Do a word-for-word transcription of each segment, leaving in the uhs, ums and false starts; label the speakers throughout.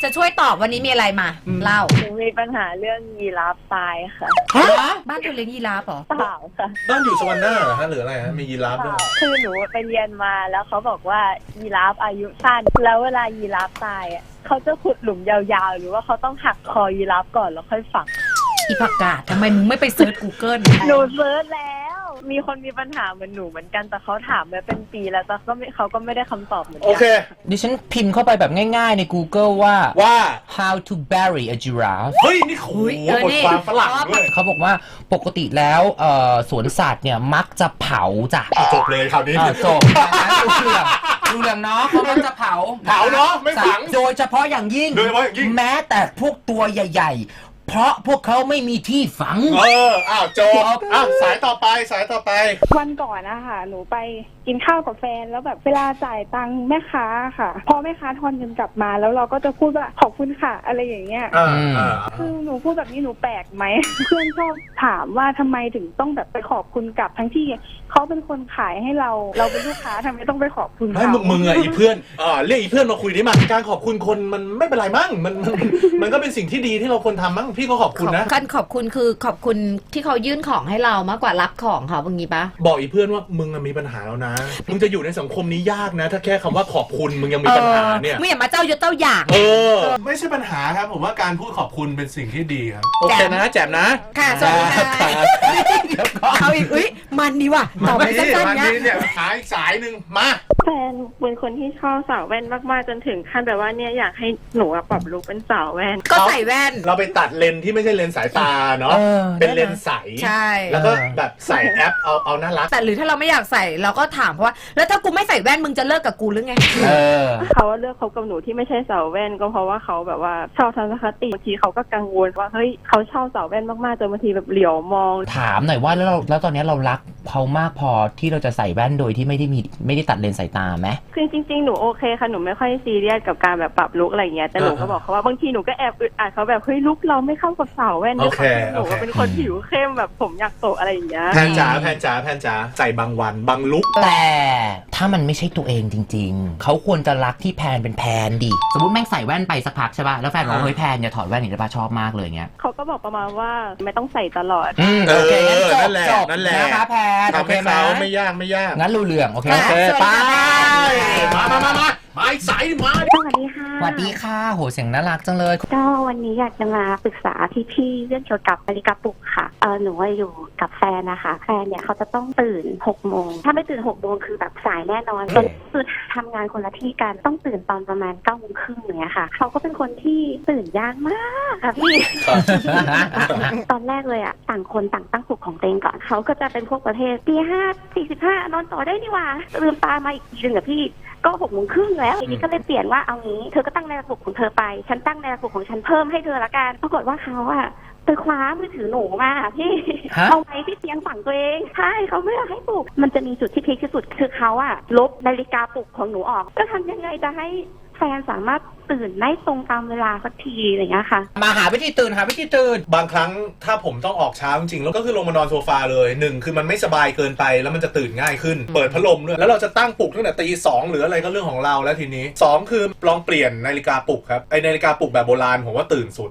Speaker 1: จะช่วยตอบวันนี้มีอะไรมาเล่า
Speaker 2: หนูมีปัญหาเรื่องยีราฟตายค่ะ
Speaker 1: บ้านเธอเลี้ยงยีราฟเหรอ
Speaker 2: เปล่าค่ะ
Speaker 3: บ้านอยู่สวรรค์หน้าเหรอฮะหรืออะไรฮะมียีราฟด้วย
Speaker 2: คือหนูไปเรียนมาแล้วเขาบอกว่ายีราฟอายุสั้นแล้วเวลายีราฟตายอ่ะเขาจะขุดหลุมยาวๆหรือว่าเขาต้องหักคอยีราฟก่อนแล้วค่อยฝัง
Speaker 1: อีผักกาดทำไมมึงไม่ไปเซิร์ช Google
Speaker 2: หนูเซิร์ชแล้วมีคนมีปัญหาเหมือนหนูเหมือนกันแต่เขาถามมาเป็นปีแล้วแต่ก็ไม่เขาก็ไม่ได้คำตอบเหมือนกั
Speaker 3: โอเค
Speaker 4: ดิฉันพิมพ์เข้าไปแบบง่ายๆใน Google ว่า
Speaker 3: ว่า
Speaker 4: how to bury a giraffe
Speaker 3: เฮ้ยนี่โหบทความฝรั่งด้วย
Speaker 4: เขาบอกว่าปกติแล้วสวนสัตว์เนี่ยมักจะเผาจ้ะ
Speaker 3: จบเลยคราวนี้
Speaker 4: จบดูเรื่องดูเรื่องเนาะเขามักจะเผา
Speaker 3: เผาเนาะไม่ฝัง
Speaker 4: โดยเฉพาะอย่างยิ่งแม้แต่พวกตัวใหญ่ๆเพราะพวกเขาไม่มีที่ฝัง
Speaker 3: เอออ้าวจบอ้าวสายต่อไปสายต่อไป
Speaker 5: วันก่อนนะคะหนูไปกินข้าวกับแฟนแล้วแบบเวลาจ่ายตังค์แม่ค้าค่ะพอแม่ค้าทอนเงินกลับมาแล้วเราก็จะพูดว่าขอบคุณค่ะอะไรอย่างเงี้ยคือหนูพูดแบบนี้หนูแปลกไหมเพื่อนชอบถามว่าทำไมถึงต้องแบบไปขอบคุณกลับทั้งที่เขาเป็นคนขายให้เราเราเป็นลูกค้าทำไมต้องไปขอบคุณเขา
Speaker 3: ไม่มึงอะอีเพื่อนอ่าเรียกอีเพื่อนมาคุยดิมาการขอบคุณคนมันไม่เป็นไรมั้งมันมันก็เป็นสิ่งที่ดีที่เราควรทำมั้งพี่ก็ขอบคุณนะ
Speaker 1: การขอบคุณคือขอบคุณที่เขายื่นของให้เรามากกว่ารับของเขาอย่างนี้ปะ
Speaker 3: บอกอีเพื่อนว่ามึงมีปัญหาแล้วนะมึงจะอยู่ในสังคมนี้ยากนะถ้าแค่คำว่าขอบคุณมึงยังมีปัญหาเนี่ย
Speaker 1: มึงอย่ามาเจ้ายศเจ้าอย่าง
Speaker 3: เออไม่ใช่ปัญหาครับผมว่าการพูดขอบคุณเป็นสิ่งที่ดีครับโอเคนะแจ่มนะ
Speaker 1: ค่ะสวัสดีค่ะเขาอีกอุ้ยมันดีว่ะตอบไปสั้นๆ
Speaker 3: เนี่ยหาอีกสายหนึ่งมา
Speaker 5: แฟนเป็นคนที่ชอบสาวแว่นมากๆจนถึงขั้นแบบว่าเนี่ยอยากให้หนูปรับลุคเป็นสาวแว่น
Speaker 1: ก็ใส่แว่น
Speaker 3: เราไปตัดเลนที่ไม่ใช่เลนสายตาเนาะเป็นเลนใส
Speaker 1: ใช่
Speaker 3: แล้วก็แบบใส่แอปเอาเอาน่ารัก
Speaker 1: แต่หรือถ้าเราไม่อยากใส่เราก็ถามเพราะว่าแล้วถ้ากูไม่ใส่แว่นมึงจะเลิกกับกูหรือไง
Speaker 5: เขาเลือกคบกับหนูที่ไม่ใช่สาวแว่นก็เพราะว่าเขาแบบว่าชอบทัศนคติบางทีเขาก็กังวลว่าเฮ้ยเขาชอบสาวแว่นมากๆจนบางทีแบบเหลียวมอง
Speaker 4: ถามหน่อยว่าแล้วเราแล้วตอนนี้เรารักเขามากพอที่เราจะใส่แว่นโดยที่ไม่ได้มีไม่ได้ตัดเลนสายตาไหม
Speaker 5: คือจริงๆหนูโอเคค่ะหนูไม่ค่อยซีเรียสกับการแบบปรับลุคอะไรเงี้ยแต่หนูก็บอกเขาว่าบางทีหนูก็แอบอึดอัดเขาแบบเฮ้ยลุคเราไม่เข้ากับสาวแว่นนะหนูก็เป็นคนผิวเข้มแบบผมอยากโตอะไรอย่างเงี้ย
Speaker 3: แพนจ๋าแพนจ๋าแพนจ๋าใส่บางวันบางลุค
Speaker 4: แต่ถ้ามันไม่ใช่ตัวเองจริงๆเขาควรจะรักที่แพนเป็นแพนดิสมมติแม่งใส่แว่นไปสักพักใช่ป่ะแล้วแฟนบอกเฮ้ยแพนอย่าถอดแว่นอีกได้ป่ะชอบมากเลยเงี้ย
Speaker 5: เขาก็บอกประมาณว่าไม่ต้องใส่ตลอด
Speaker 4: อืมโอเคงั้นจบจบ
Speaker 3: นั่นแหละ
Speaker 4: นะคะแพน
Speaker 3: โอเคไหมไม่ยากไม่ยาก
Speaker 4: งั้นรู้เรื่องโอเค
Speaker 3: โอเคไปมามามามามาอีกสายมา
Speaker 5: สวัสดีค่ะ
Speaker 4: สวัสดีค่ะโหเสียงน่ารักจังเลย
Speaker 5: ก็วันนี้อยากจะมาปรึกษาพี่ๆเรื่องเกี่ยวกับนาฬิกาปลุกค่ะเออหนูอยู่กับแฟนนะคะแฟนเนี่ยเขาจะต้องตื่นหกโมงถ้าไม่ตื่นหกโมงคือแบบสายแน่นอนตอนคือทำงานคนละที่กันต้องตื่นตอนประมาณเก้าโมงครึ่งอย่างเงี้ยค่ะเขาก็เป็นคนที่ตื่นยากมากค่ะพี่ ตอนแรกเลยอ่ะต่างคนต่างตั้งปลุกของตัวเองก่อนเขาก็จะเป็นพวกประเภทตีห้าสี่สิบห้านอนต่อได้นี่หว่าลืมตามาอีกทีหนึ่งอะพี่ก็หกโมงครึ่งแล้วทีนี้ก็เลยเปลี่ยนว่าเอางี้เธอก็ตั้งนาฬิกาปลุกของเธอไปฉันตั้งนาฬิกาปลุกของฉันเพิ่มให้เธอละกันปรากฏว่าเขาอะไปคว้ามือถือหนูมาพี่เอาไว้ที่เตียงฝั่งตัวเองใช่เขาไม่อยากให้ปลุกมันจะมีจุดที่พีคที่สุดคือเขาอะลบนาฬิกาปลุกของหนูออกจะทำยังไงจะให้แฟนสามารถตื่นได้ตรงตามเวลาสักทีอะไรอย่างเงี้ยค่ะ
Speaker 4: มาหาวิธีตื่นหาวิธีตื่น
Speaker 3: บางครั้งถ้าผมต้องออกเช้าจริงๆแล้วก็คือลงมานอนโซฟาเลยหนึ่งคือมันไม่สบายเกินไปแล้วมันจะตื่นง่ายขึ้นเปิดพัดลมด้วยแล้วเราจะตั้งปลุกตั้งแต่ตีสองหรืออะไรก็เรื่องของเราแล้วทีนี้สองคือลองเปลี่ยนนาฬิกาปลุกครับไอนาฬิกาปลุกแบบโบราณผมว่าตื่นสุด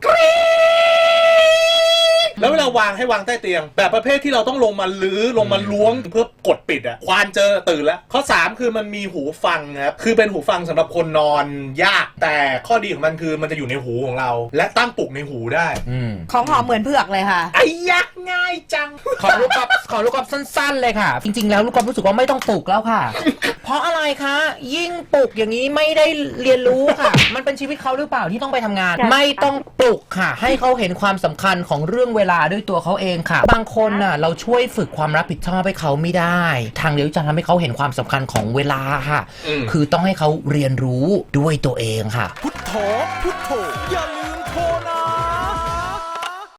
Speaker 3: แล้วเวลาวางให้วางใต้เตียงแบบประเภทที่เราต้องลงมาลื้อลงมาล้วงเพื่อกดปิดอ่ะควานเจอตื่นแล้วข้อสามคือมันมีหูฟังครับคือเป็นหูฟังสำหรับคนนอนยากแต่ข้อดีของมันคือมันจะอยู่ในหูของเราและตั้งปลุกในหูได้
Speaker 1: ของหอมเหมือนเผือกเลยค่ะ
Speaker 3: ไอ้ยักง่ายจัง
Speaker 4: ขอลูกกอล์ฟขอลูกกอล์ฟสั้นๆเลยค่ะจริงๆแล้วลูกกอล์ฟรู้สึกว่าไม่ต้องปลุกแล้วค่ะ เพราะอะไรคะยิ่งปลุกอย่างนี้ไม่ได้เรียนรู้ค่ะมันเป็นชีวิตเขาหรือเปล่าที่ต้องไปทำงานไม่ต้องปลุกค่ะให้เขาเห็นความสำคัญของเรื่องเวลาด้วยตัวเขาเองค่ะบางคนน่ะเราช่วยฝึกความรับผิดชอบให้เขาไม่ได้ทางเดียวจะทำให้เขาเห็นความสำคัญของเวลาค่ะคือต้องให้เขาเรียนรู้ด้วยตัวเองค่ะ
Speaker 6: พุทโธพุทโธอย่าลืมโทรนะ